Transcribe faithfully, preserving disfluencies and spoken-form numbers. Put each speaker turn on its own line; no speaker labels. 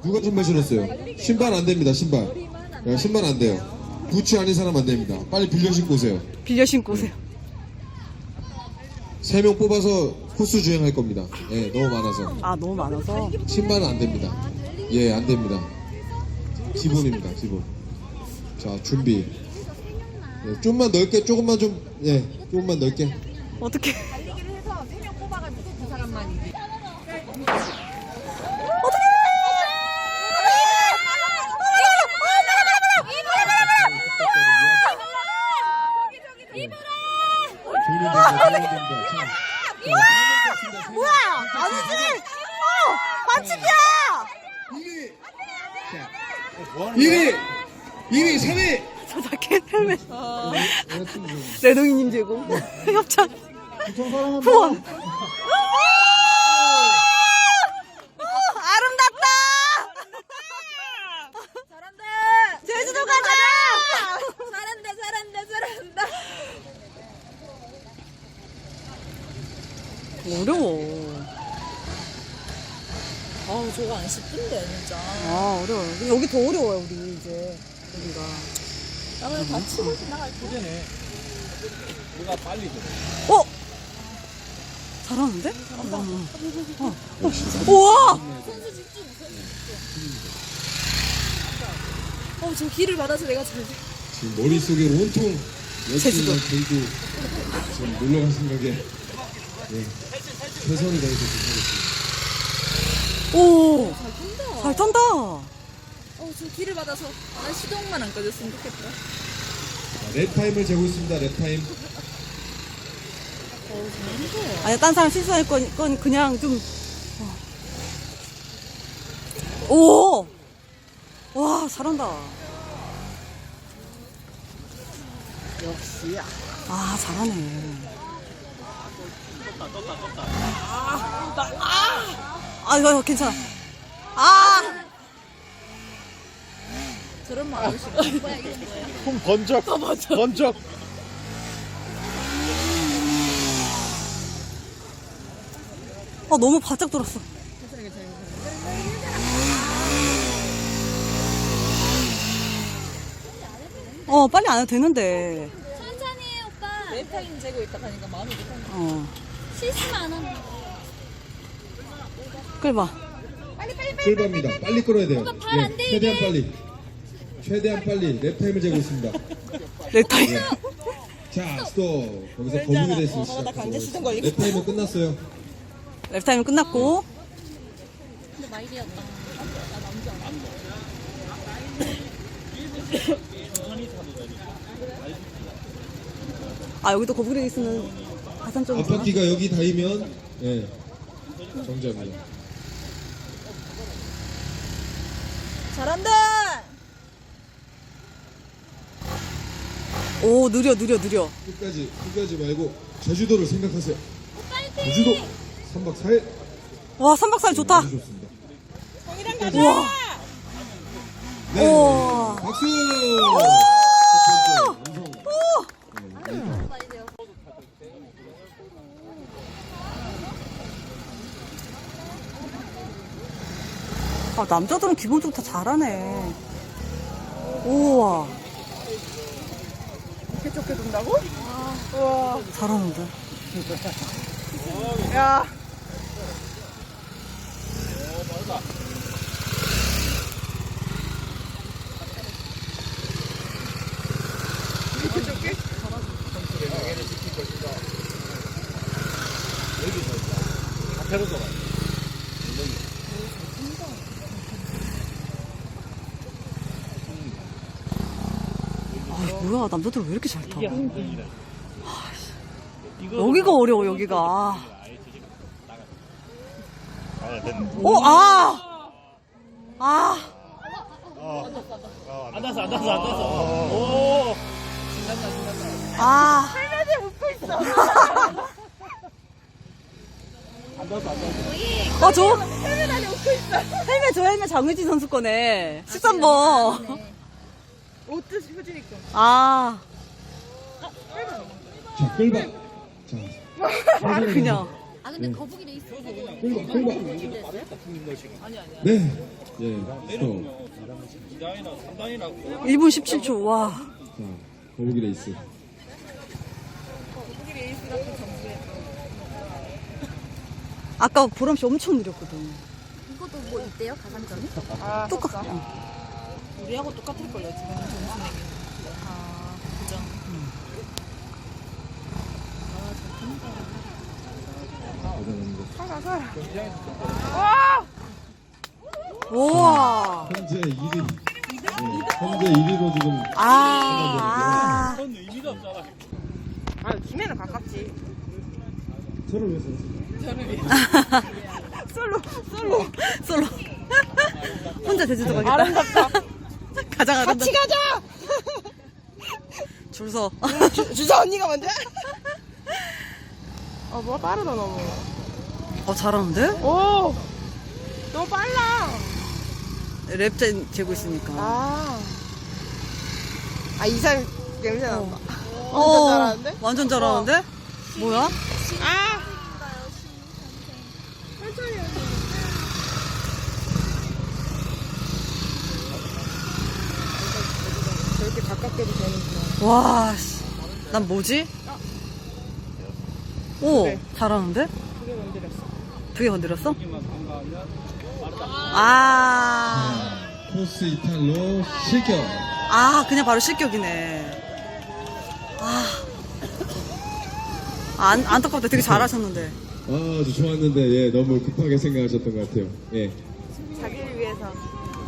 누가 신발 신었어요? 신발 안 됩니다, 신발. 야, 신발 안 돼요. 부츠 아닌 사람 안 됩니다. 빨리 빌려 신고 오세요.
빌려 신고 오세요.
세 명 뽑아서 코스 주행할 겁니다. 예, 너무 많아서.
아, 너무 많아서.
신발은 안 됩니다. 예, 안 됩니다. 기본입니다, 기본. 자, 준비. 예, 좀만 넓게, 조금만 좀, 예, 조금만 넓게.
어떻게?
달리기를 해서 세 명 뽑아가지고 그 사람만 이제.
뭐야? 아니지? 어! 반칙이야!
일 위! 일 위, 삼 위!
저 자켓 헬멧. 레동이님 제공. 협찬. 후원. 아름답다!
잘한다.
제주도 가자!
잘한다. 잘한다. 잘한다.
어려워.
아우 저거 안 쉽던데 진짜.
아, 어려워. 여기 더 어려워요, 우리 이제. 여기가.
나 그냥 다 치고 지나갈 거.
누가 빨리 줘.
어? 잘하는데? 어. 어. 어. 우와!
선수 집중. 선수 집중. 어저 길을 받아서 내가 잘.
지금 머릿속에 온통
제주도.
여친이나 제주도 지금 놀러 갈 생각에 예, 최선을 다해서 준비하겠습니다.
오!
잘 탄다.
잘 탄다!
어저 길을 받아서 나 시동만 안 꺼졌으면 좋겠다.
자, 랩 타임을 재고 있습니다. 랩 타임.
어우 잘한다.
아니, 딴 사람 실수할 건, 건 그냥 좀. 어. 오! 와, 잘한다.
역시야.
아, 잘하네. 아, 이거 괜찮아. 아!
저런 마음을 싫어. 뭐야 이게 뭐야?
kum 번쩍. 번쩍.
아, 너무 바짝 돌았어. 어, 빨리 안 해도 되는데.
천천히 해 오빠. 내 타임 재고 있다 하니까 마음이 급한데.
어.
실수만 안 하면.
끌봐.
빨리 빨리 빨리.
끌바입니다. 빨리 끌어야 돼요.
오빠 발안 돼,
최대한 빨리. 최대한 빨리 랩 타임을 재고 있습니다.
내 타임.
자, 스톱. 거기서 거북이 레이스 시작해서 랩 타임은 끝났어요.
랩 타임은 끝났고.
근데 마일이었다.
아, 여기도 거북이 레이스는 가산점이구나.
앞바퀴가 여기 닿으면 예, 정답입니다.
잘한다.
오, 느려, 느려, 느려.
끝까지 끝까지 말고 제주도를 생각하세요. 제주도 삼 박 사 일
와, 삼 박 사 일 좋다.
아주 좋습니다.
우와.
네,
우와.
박수.
아, 남자들은 기본적으로 다 잘하네. 우와.
이렇게 좋게 돈다고? 우와.
잘하는데.
야. 이렇게 좋게?
앞에로 돌아.
아, 뭐야, 남자들 왜 이렇게 잘 타? 여기가 어려워, 여기가.
아, 됐네.
오, 아! 아!
안 났어, 안 났어, 안 났어. 오.
아!
안 났어, 안 났어.
어, 저. 헬멧 안에 웃고 있어. 헬멧, 저 헬멧 장유진 선수 거네. 십삼 번.
옷도 후지니까.
아.
자, 끌바. 자,
아, 그냥.
아 근데 거북이 레이스
홍보, 홍보. 네. 예, 스톱.
일 분 십칠 초. 와.
자, 거북이 레이스.
아까 보람 씨 엄청 느렸거든.
이것도 뭐 있대요 가산점이?
똑같아.
우리하고 똑같을걸요, 지금 점수 내기. 아, 그죠.
우와.
현재 일 위. 네, 현재 일 위로 지금.
아.
그건 의미가 없잖아.
아, 김해는 가깝지.
저를 위해서.
솔로, 솔로, 솔로. 혼자 제주도 가겠다. 아름답다. 가자, 가자.
같이 가자!
줄 서.
주, 주사 언니가 먼저? 어, 뭐 빠르다, 너무.
어, 잘하는데?
오! 너무 빨라!
랩 재- 재고 있으니까.
아. 아, 이상 냄새 난다.
어,
완전 잘하는데?
완전 잘하는데? 뭐야?
아! 저렇게 가깝게도 되는구나.
와, 씨. 난 뭐지? 오,
네.
잘하는데?
그게 건드렸어.
두 개 건드렸어? 아,
코스 이탈로 실격.
아, 그냥 바로 실격이네. 아, 안, 안타깝다. 되게 잘하셨는데.
아, 아주 좋았는데, 예, 너무 급하게 생각하셨던 것 같아요. 예.
자기를 위해서.